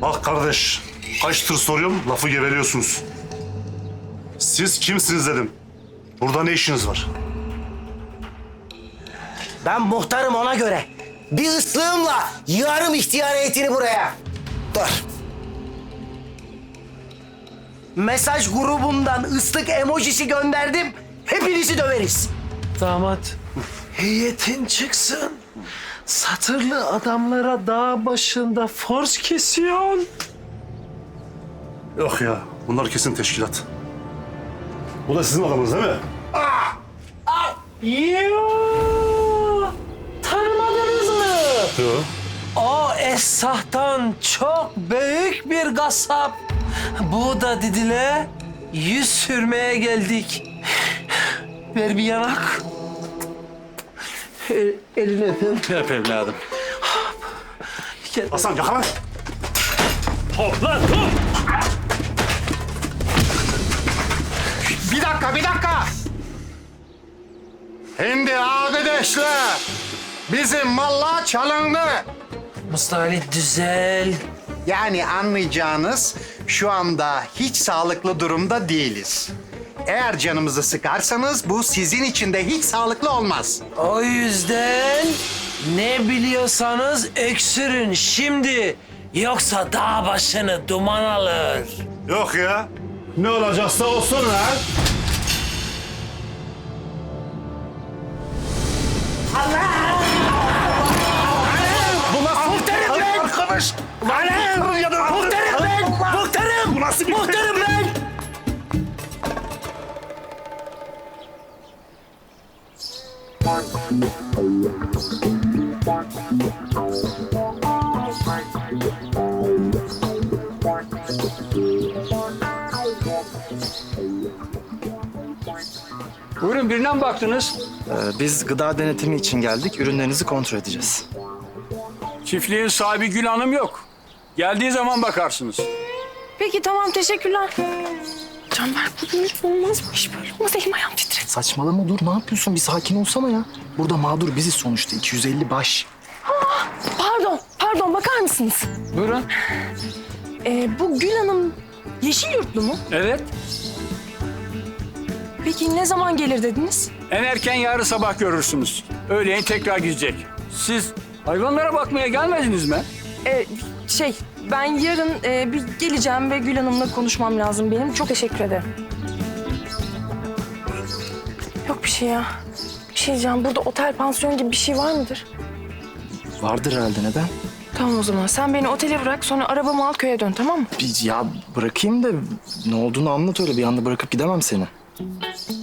Bak kardeş, kaç tır soruyorum, lafı geveliyorsunuz. Siz kimsiniz dedim. Burada ne işiniz var? Ben muhtarım ona göre. Bir ıslığımla yığarım ihtiyar heyetini buraya. Dur. Mesaj grubundan ıslık emojisi gönderdim. Hepinizi döveriz. Damat, heyetin çıksın. Satırlı adamlara dağ başında force kesiyorsun. Yok ya, bunlar kesin teşkilat. Bu da sizin adamınız değil mi? Yoo! Tanımadınız mı? Yok. O Esah'tan çok büyük bir gasap. Bu da Didil'e yüz sürmeye geldik. Ver bir yanak. Elini öpeyim. Öp evladım. Hasan yakala. Hop lan dur! Bir dakika. Şimdi arkadaşlar, bizim mallar çalındı. Mustafa düzel. Yani anlayacağınız şu anda hiç sağlıklı durumda değiliz. Eğer canımızı sıkarsanız bu sizin için de hiç sağlıklı olmaz. O yüzden ne biliyorsanız öksürün şimdi. Yoksa dağ başını duman alır. Yok ya. Ne olacaksa olsun ha. Muhtarım ben! Arkadaş. Muhtarım ben! Muhtarım! Bu nasıl bir Muhtarım ben! Buyurun birine mi baktınız? Biz gıda denetimi için geldik. Ürünlerinizi kontrol edeceğiz. Çiftliğin sahibi Gül Hanım yok. Geldiği zaman bakarsınız. Peki tamam teşekkürler. Canberk bu dönüş olmaz bu iş böyle olmaz elim ayağım titredi. Saçmalama dur. Ne yapıyorsun? Bir sakin olsana ya. Burada mağdur biziz sonuçta. 250 baş. Pardon bakar mısınız? Buyurun. Bu Gül Hanım Yeşilyurtlu mu? Evet. Peki ne zaman gelir dediniz? En erken yarın sabah görürsünüz. Öğleyin tekrar gidecek. Siz hayvanlara bakmaya gelmediniz mi? Ben yarın bir geleceğim ve Gül Hanım'la konuşmam lazım benim. Çok teşekkür ederim. Yok bir şey ya. Bir şey diyeceğim. Burada otel, pansiyon gibi bir şey var mıdır? Vardır herhalde. Neden? Tamam o zaman. Sen beni otele bırak. Sonra arabamı al köye dön tamam mı? Ya bırakayım da ne olduğunu anlat öyle. Bir anda bırakıp gidemem seni.